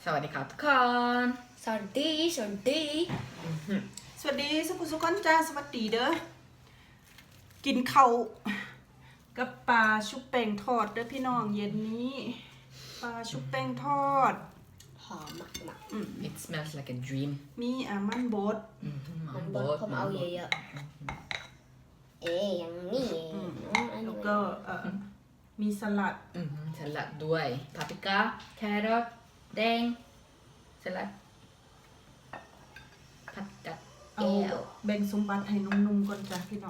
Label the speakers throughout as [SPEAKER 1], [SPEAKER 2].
[SPEAKER 1] สวัสดีครับทุกคน
[SPEAKER 2] สวัสดีสวัสดี
[SPEAKER 3] สวัสดีสุขุสุขนจ้าสวัสดีเด้อกินข้าวกับปลาชุบแป้งทอดเด้อพี่น้องเย็นนี้ปลาชุบแป้งทอด
[SPEAKER 2] หอมมากมาก
[SPEAKER 1] It smells like a dream
[SPEAKER 3] มีมันบด
[SPEAKER 2] มันบดผมเอาเยอะๆอย่างนี้อัน
[SPEAKER 3] แล้
[SPEAKER 2] นี้
[SPEAKER 3] วก็มีสลัด
[SPEAKER 1] สลัดด้วยพาปริก้าแครอทแดงสลัดผัดกับ
[SPEAKER 3] เอาแบ่งสมบัติให้นุ่มๆก่อนจ้ะพี่น้อง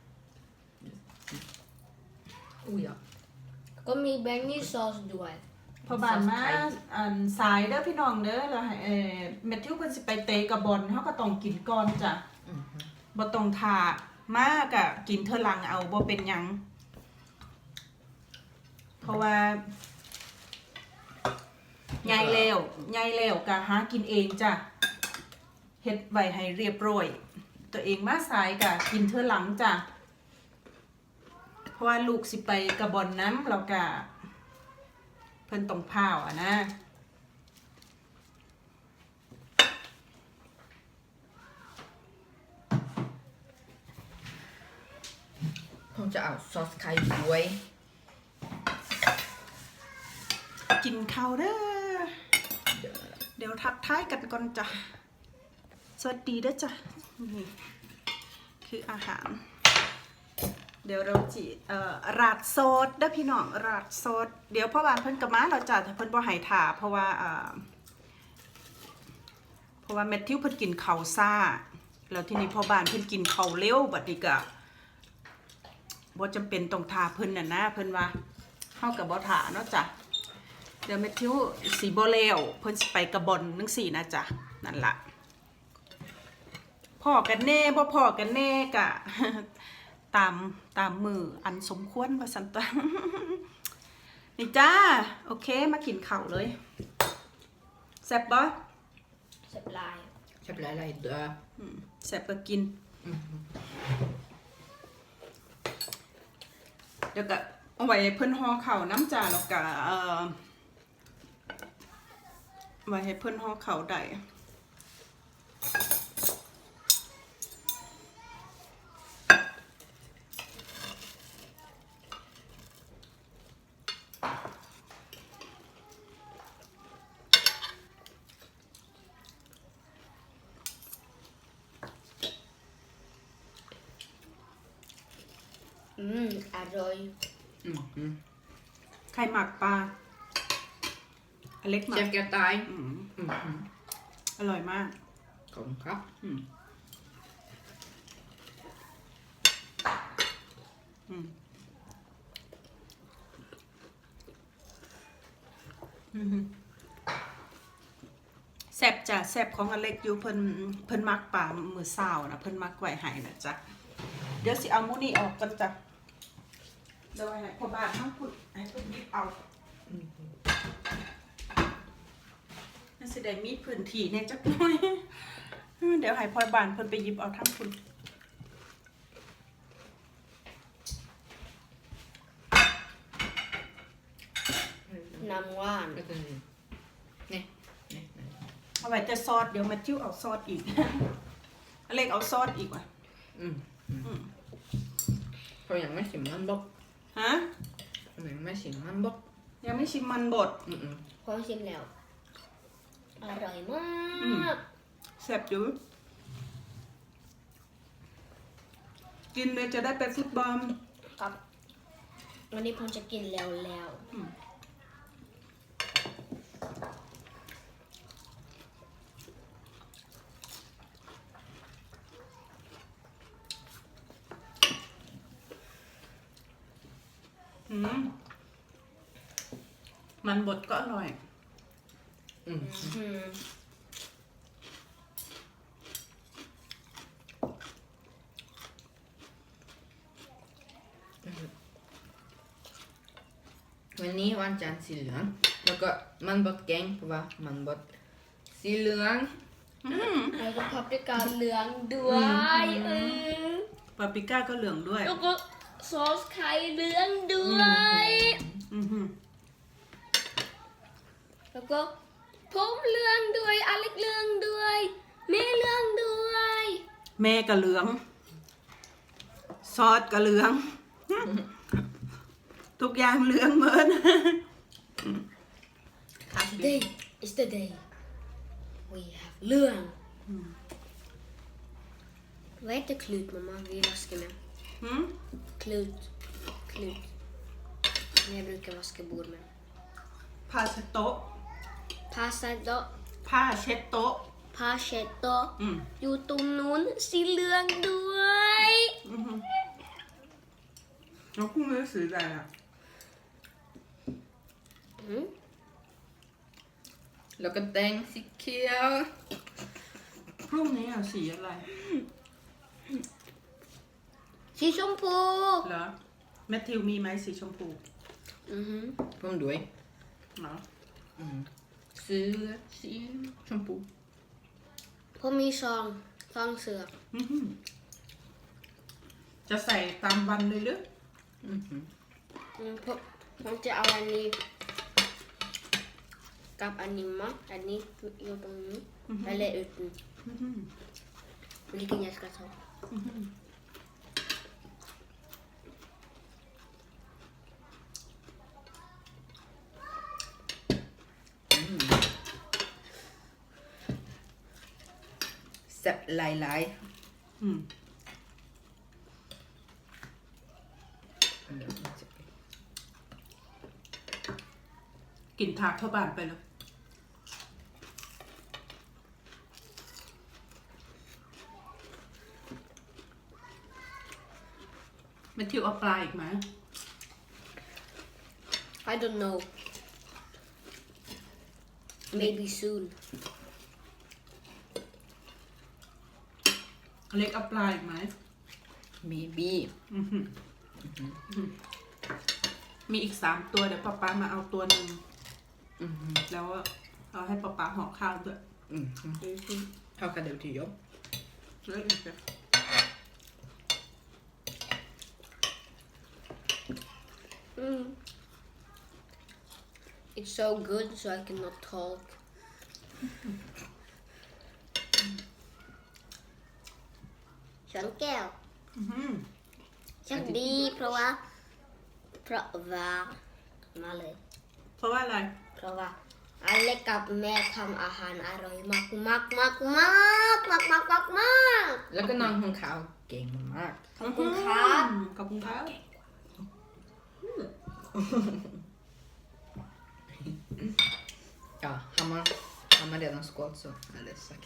[SPEAKER 1] อุ้ยอ่ะ
[SPEAKER 2] ก็มีแบงนี่ซอสด้วย
[SPEAKER 3] พอบานมาสายเด้อพี่น้องเด้อแล้วให้แมทธิวเพิ่นสิไปเตะกับบอลเฮาก็ต้องกินก่อนจ้ะบ่ต้องท่ามากอะกินเทอหลังเอาบ่เป็นหยังเพราะว่าใหญ่แล้วก็หากินเองจ้ะเฮ็ดไว้ให้เรียบร้อยตัวเองมาสายก็กินเทอหลังจ้ะเพราะว่าลูกสิไปกับบอลน้ำแล้วก็เพิ่นต้องพาวอะนะ
[SPEAKER 1] ผมจะเอาซอสไข่ด้วย
[SPEAKER 3] กินข้าวเด้อเดี๋ยวทักทายกันก่อนจ้ะสวัสดีเด้อจ้ะนี่คืออาหาร เดี๋ยวเราจีราดซอสเด้อพี่น้องราดซอสเดี๋ยวพ่อบานเพิ่นกะมาเราจ้ะแต่เพิ่นบ่ให้ถ่าเพราะว่าแมทธิวเพิ่นกินข้าวซ่าแล้วทีนี้พ่อบานเพิ่นกินข้าวเร็วบัดนี้ก็บ่จำเป็นต้องถ่าเพิ่นน่ะนะเพิ่นว่าเฮาก็บ่ถ่าเนาะจ้ะเดี๋ยวแมทธิวสิบ่แล้วเพิ่นสิไปกระบอนจังซี่นะจ้ะนั่นล่ะพ่อกันแน่บ่พ่อกันแน่กะ ตามมืออันสมควรว่าสันต นี่จ้าโอเคมากินข้าวเลยแซ่บบ่
[SPEAKER 2] เสร็จลาย
[SPEAKER 1] ชอบอะไรเด้อ
[SPEAKER 3] แซ่บก็กินเดี๋ยวก็เอาไว้เพิ่นห่อข้าวน้ำจ้าแล้วก็ไว้ให้เพิ่นห่อข้าวได้
[SPEAKER 2] อร่อย
[SPEAKER 3] ใครหมักปลาอเล็กหมั
[SPEAKER 1] เช
[SPEAKER 3] ก
[SPEAKER 1] ฟแกตาย
[SPEAKER 3] อร่อยมาก
[SPEAKER 1] ขอบคุณครับ แซ่บจ้ะแซ่บของอเล็กอยู่เพิ่นมักปลามือเศร้านะเพิ่นมักไว้ให้นะจ๊ะเดี๋ยวสิเอาหมูนี่ออกกันจ้ะเดี๋ยวให้พ่อบ้านทั้งพูดให้เพิ่นหยิบเอาน่าสิได้มีพื้นที่เนี่ยจักหน่อย เดี๋ยวให้พ่อบ้านเพิ่นไปหยิบเอาทั้งคุณ
[SPEAKER 2] น้ำหวาน
[SPEAKER 1] ก็คือนี่
[SPEAKER 3] เอาไว้แต่ซอสเดี๋ยวมาจิ้วเอาซอสอีก อเล็กเอาซอสอีกว่ะ
[SPEAKER 1] เขายังไม่ชิมมันบก
[SPEAKER 3] ฮะ
[SPEAKER 1] เขายังไม่ชิมมันบก
[SPEAKER 3] ยังไม่ชิมมันบด
[SPEAKER 2] พอชิมแล้ว อร่อยมาก
[SPEAKER 3] แซ่บอยู่กินเลยจะได้ไปฟุตบอล
[SPEAKER 2] ครับ วันนี้ผมจะกินแล้ว
[SPEAKER 3] มันบดก็อร่อย
[SPEAKER 1] วันนี้วันจันทร์สีเหลืองแล้วก็มันบดแกงเพราะว่ามันบดสีเหลือง
[SPEAKER 2] แล้วก็พับด้วยการเหลืองด้วย
[SPEAKER 3] ปาปริก้าก็เหลืองด้วย
[SPEAKER 2] แล้วก็ซอสไข่เหลืองด้วย
[SPEAKER 3] อือหือ
[SPEAKER 2] แล้วก็ผมเรื่องด้วยอเล็กเรื่องด้วยแม่เรื่องด้วย
[SPEAKER 1] แม่ก็เหลือง ซอสก็เหลือง ทุกอย่างเหลืองเหมือน
[SPEAKER 2] Today is the day we have เรื่อง Vad heter klut mamma vi vaskar med?
[SPEAKER 1] Hmm?
[SPEAKER 2] Klut. Som jag brukar vaska bord med.
[SPEAKER 1] ผ้าเช็ดโต๊ะ
[SPEAKER 2] Pasado,
[SPEAKER 1] ผ้าเช็ดโต๊ะ
[SPEAKER 2] Pacheto.
[SPEAKER 1] อืม
[SPEAKER 2] อยู่ตรงนู้นสีเหลืองด้วย
[SPEAKER 1] แล้วคุณไม่ซื้ออะไรอ่ะ
[SPEAKER 2] อืม
[SPEAKER 4] แล้วก็แดงสีเขียว
[SPEAKER 1] พรุ่งนี้อ่ะสีอะไร
[SPEAKER 2] สีชมพู
[SPEAKER 1] เหรอแมทธิวมีไหมสีชมพู
[SPEAKER 2] อือหือ
[SPEAKER 4] ผมด้วย
[SPEAKER 1] เนาะ
[SPEAKER 4] เสื้อสีชมพู
[SPEAKER 2] ผมมีซองเสือก
[SPEAKER 1] จะใส่ตามวันเลยหรือ
[SPEAKER 2] ผมจะเอาอันนี้กับอันนี้มั้งอันนี้อยู่ตรงนี้eller uten vilken jag ska ta
[SPEAKER 4] แซ่บหลาย
[SPEAKER 1] อืม กินทากเข้าบ้านไปเลยแมทธิวเอาปลาอีกไหม
[SPEAKER 2] I don't know maybe soon
[SPEAKER 1] เล็กเอาปลาอีกไหม
[SPEAKER 4] ๆ maybe
[SPEAKER 1] มีอีก3 ตัวเดี๋ยวป๊ามาเอาตัวหนึ่งแล้วเอาให้ป๊าห่อข้าวด้วย
[SPEAKER 4] How kan det till jobb?
[SPEAKER 1] แล้วอีกเดี๋ยว
[SPEAKER 2] It's so good so I cannot talk ช้อนแก้วช่างดีเพราะว่ามาเลย
[SPEAKER 1] เพราะว่าอะไร
[SPEAKER 2] เพราะว่าอเล็กกับแม่ทำอาหารอร่อยมาก
[SPEAKER 4] แล้วก็น้องของเขาเก่งมาก
[SPEAKER 2] ขอบคุณครับ
[SPEAKER 1] ขอบคุณครับ
[SPEAKER 4] Ja, han har redan skått så eller sagt.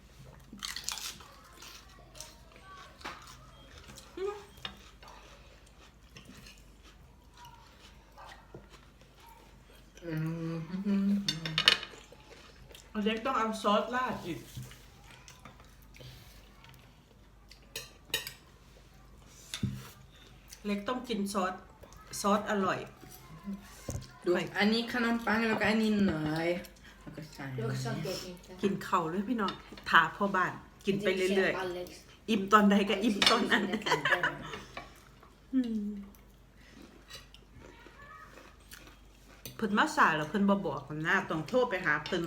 [SPEAKER 4] Mm.
[SPEAKER 1] เล็กต้องเอาซอสราดอีกเล็กต้องกินซอสอร่อย
[SPEAKER 4] Du, är ni kanompang eller är ni nöj?
[SPEAKER 1] กินเข่าเลยพี่น้องถาพ่อบ้าน กินไปเรื่อย
[SPEAKER 2] อเล็ก
[SPEAKER 1] ๆ อิ่มตอนใดก็อิ่มตอนนั้น เพิ่นมาสายแล้วเพิ่นบ่บอกกันหน้าต้องโทรไปหาเพิ่น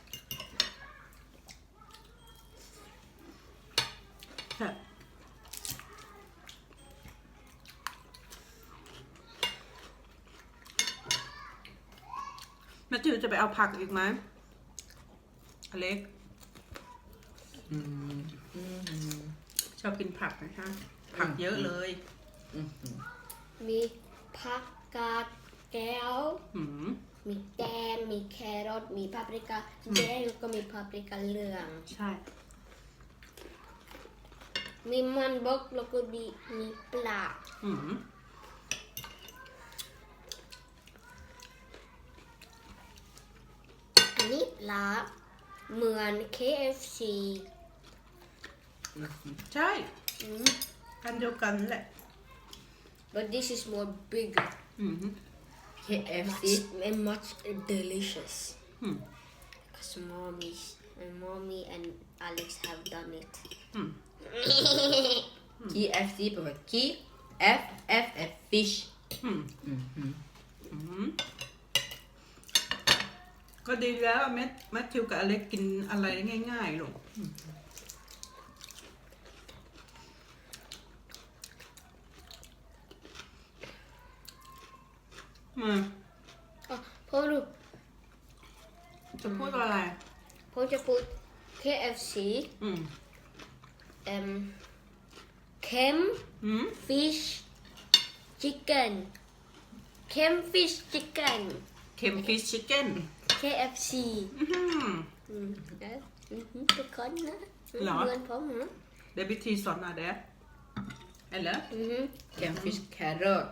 [SPEAKER 1] แม่จิ๋วจะไปเอาผักอีกไหมอเล็กชอบกินผักนะคะผักเยอะเลย
[SPEAKER 2] มีผักกาดแก้ว
[SPEAKER 1] หืม
[SPEAKER 2] มีแตงมีแครอทมีปาปริก้าแดงแล้วก็มีปาปริก้าเหลือง
[SPEAKER 1] ใช่
[SPEAKER 2] มีมันบกแล้วก็มีปลา
[SPEAKER 1] หืม
[SPEAKER 2] อันนี้ปลาเหมือน KFC
[SPEAKER 1] ใช่อันเดียวกันแหละ
[SPEAKER 2] but this is more bigger
[SPEAKER 1] อืม
[SPEAKER 4] KFC.
[SPEAKER 2] and much delicious
[SPEAKER 1] อืม
[SPEAKER 2] because mommy and Alex have done it
[SPEAKER 1] อืม
[SPEAKER 4] KFC แปลว่า KFF fish.
[SPEAKER 1] อืมอืมก็ดีแล้วแมทธิวกับอเล็กกินอะไรง่ายๆลูกมา
[SPEAKER 2] พ่อดู
[SPEAKER 1] จะพูดอะไร
[SPEAKER 2] พ่อจะพูด KFC
[SPEAKER 1] อืม
[SPEAKER 2] Kem
[SPEAKER 1] อืม
[SPEAKER 2] Fish Chicken Kem Fish Chicken
[SPEAKER 1] เค็มฟิชชิคเก้น
[SPEAKER 2] KFC ทุกคนนะ
[SPEAKER 1] เหรอ
[SPEAKER 2] เงินผมนะ
[SPEAKER 1] เดบิทีสอนมาเด้เห็นแล้ว
[SPEAKER 4] Campfish carrot.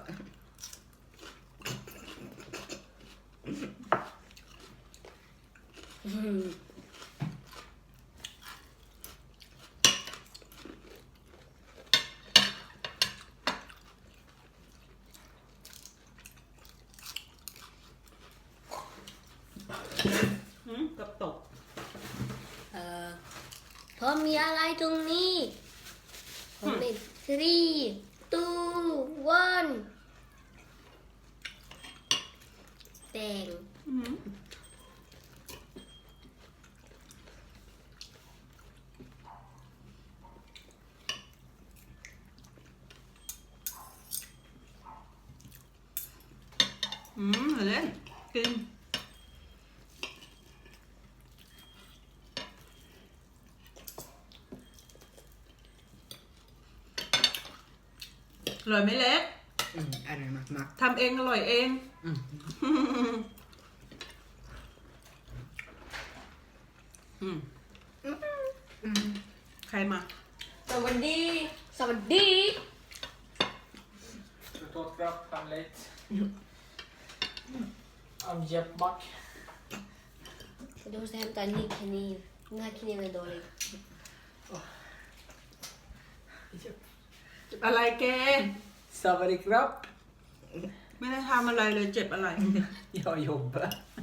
[SPEAKER 1] กับตก
[SPEAKER 2] พอมีอะไรตรงนี้ผมเป็น3 2 1แตง
[SPEAKER 1] เล่นกินอร่อยไหมเล็ก
[SPEAKER 4] อร่อยมาก
[SPEAKER 1] ทำเองอร่อยเอง ใครมา
[SPEAKER 2] สวัสดี สวัสดี
[SPEAKER 5] Du tar fram Hamlet. Av Jeppback.
[SPEAKER 2] Du måste hämta en ny kniv. Den här kniven är dålig.
[SPEAKER 1] อะไรแก
[SPEAKER 5] Savary Krapp.
[SPEAKER 1] ไม่ได้ทำอะไรเลยเจ็บอะไร
[SPEAKER 5] Jag jobbar.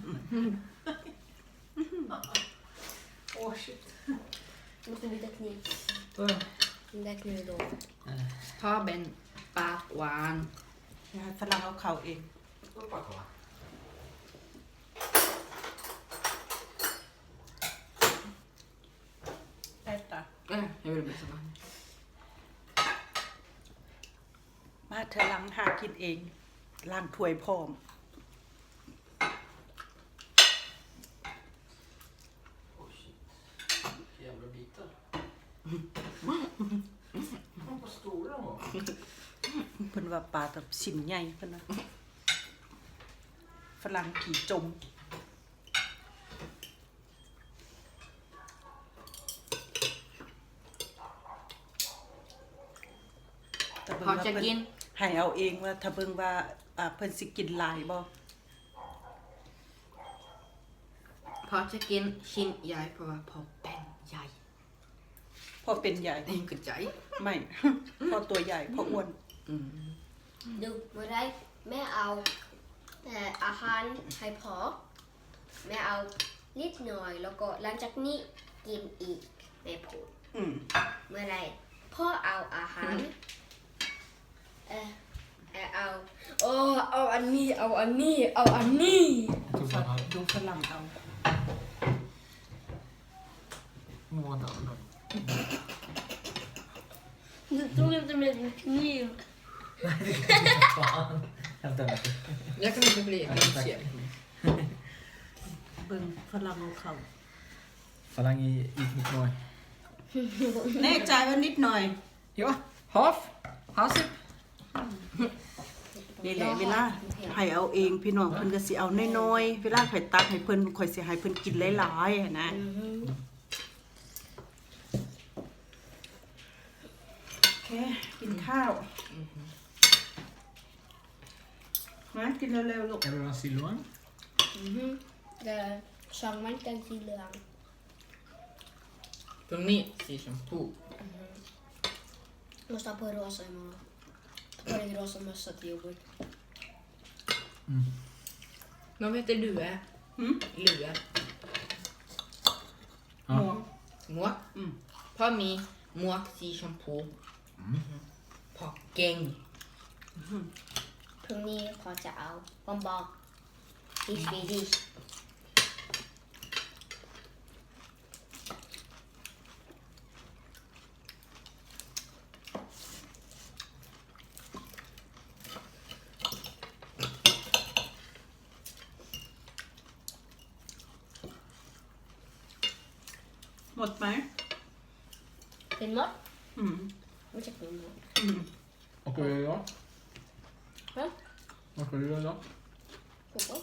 [SPEAKER 5] Åh shit.
[SPEAKER 2] Du måste byta kniv.
[SPEAKER 5] Oj.
[SPEAKER 2] Den där kniven är dålig.
[SPEAKER 4] ๆพ่อเป็นปากหวาน
[SPEAKER 1] ฝรั่งเอาเขาเอง
[SPEAKER 5] Hoppa kvar.
[SPEAKER 1] ได้ตา
[SPEAKER 4] Jag vill bli så varm.
[SPEAKER 1] มาเธอล้างหากินเองล้างถ้วยพร้อม
[SPEAKER 5] Åh shit. Jävla bitar. Vad stora de var.
[SPEAKER 1] เพิ่นว่าปลาแบบสิมใหญ่เพิ่นนะฝรั่งขี่จม แต่เบิ่ง
[SPEAKER 4] พ่อ
[SPEAKER 1] ว่า
[SPEAKER 4] จะ
[SPEAKER 1] เพิ่น
[SPEAKER 4] กิน
[SPEAKER 1] ให้เอาเองว่าถ้าเบิ่งว่าเพิ่นสิกินหลายบ่
[SPEAKER 4] พ่อจะกินชิ้นใหญ่เพราะว่าพ่อเป็นใหญ่
[SPEAKER 1] พอเป็นใหญ่
[SPEAKER 4] เองก็ใจ
[SPEAKER 1] ไม่ พอตัวใหญ่พออ้วน
[SPEAKER 2] Du, med dig. Med av ahanให้พอแม่เอานิดหน่อยแล้วก็หลังจากนี้กินอีกแม่พูด
[SPEAKER 1] อืม
[SPEAKER 2] เมื่อไรพ่อเอาอาหารเอาโอ้เอาอันนี้เอาอันนี้เอาอันนี้
[SPEAKER 5] Jag tog bara
[SPEAKER 1] ดูฝรั่งเอา
[SPEAKER 5] månader.
[SPEAKER 2] Du tog inte med din kniv.
[SPEAKER 5] Fan. Hämta med.
[SPEAKER 4] Jag kan inte bli intresserad.
[SPEAKER 1] เบิ่งฝรั่งเอาเขา
[SPEAKER 5] Falang i Knutnoj.
[SPEAKER 1] แน่ใจว่านิดหน่อย
[SPEAKER 5] Ja, half. Hasip.
[SPEAKER 1] นี่แหละเวลาให้เอาเองพี่น้องเพิ่นก็สิเอาน้อยๆเวลาข่อยตักให้เพิ่นข่อยสิให้เพิ่นกินหลายๆหั้นนะโอเคกินข้าวมากินเร็วๆลูก
[SPEAKER 5] Är det en silvan?
[SPEAKER 2] Det sang man inte ens i lön.
[SPEAKER 4] För mig ser shampoo.
[SPEAKER 2] Måste ha på rosa imorgon. Ta på dig rosa mössa till jobbet.
[SPEAKER 4] Men vad heter lue? Lue.
[SPEAKER 1] หมวก
[SPEAKER 4] Måk. På mig måk ser shampoo. På gäng.
[SPEAKER 2] พรุ่งนี้พอจะเอาบอมบอก i Swedish
[SPEAKER 1] หมดไหม
[SPEAKER 2] เป็นมด
[SPEAKER 1] อืม
[SPEAKER 2] ไม่ใช่เป็นมด
[SPEAKER 1] อืม
[SPEAKER 5] Vad ska du göra idag?
[SPEAKER 2] Va?
[SPEAKER 5] Vad ska du göra idag?
[SPEAKER 2] Fotboll.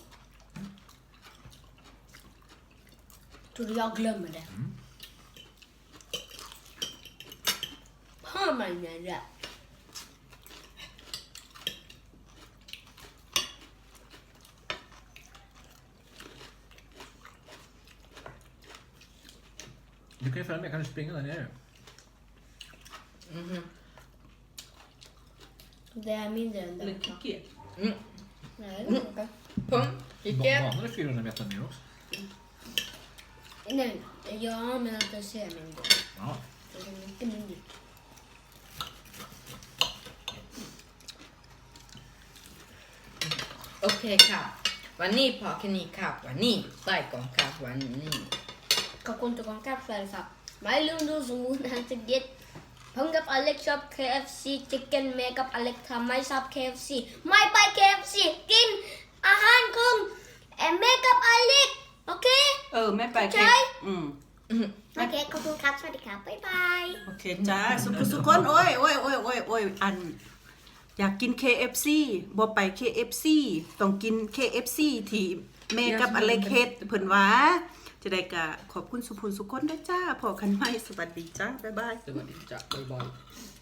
[SPEAKER 2] Tror du jag glömmer det? Har man en rätt?
[SPEAKER 5] Du kan ju följa med, kan du springa där nere?
[SPEAKER 4] Mhm.
[SPEAKER 2] Det är mindre än
[SPEAKER 1] หรือ
[SPEAKER 2] det.
[SPEAKER 1] ขี้เกียจ
[SPEAKER 4] Mm.
[SPEAKER 2] Nej, det är inte.
[SPEAKER 4] Pung. Icke.
[SPEAKER 5] Banan är 400 meter ner också.
[SPEAKER 2] Nej, ja, men att det ser mindre.
[SPEAKER 5] Ja.
[SPEAKER 2] Det är mycket mindre.
[SPEAKER 4] โอเคค่ะ วันนี้พอแค่นี้ค่ะวันนี้ใต้กองค่ะวันนี้
[SPEAKER 2] Kau kuntuk kong kap salsa. Mai lundu semua nanti diet. Panggap Alex shop KFC chicken makeup Alex thamai shop KFC. Mai pai KFC กินอาหารของmakeup Alex โอเค
[SPEAKER 1] แม่ไป
[SPEAKER 2] ใช่
[SPEAKER 1] อืม
[SPEAKER 2] โอเคขอบคุณครับ สวัสดีครับ บ๊ายบาย
[SPEAKER 1] โอเคจ้าสุคนโอ้ยอัน อยากกิน KFC บ่ไป KFC ต้องกิน KFC ที่แม่กับอเล็กเฮ็ดเพิ่นว่าจะได้ก็ขอบคุณสุภูนสุคนด้วยจ้าพอกันใหม่สวัสดีจ้าบ๊ายบาย
[SPEAKER 5] Det var din jack, bye bye.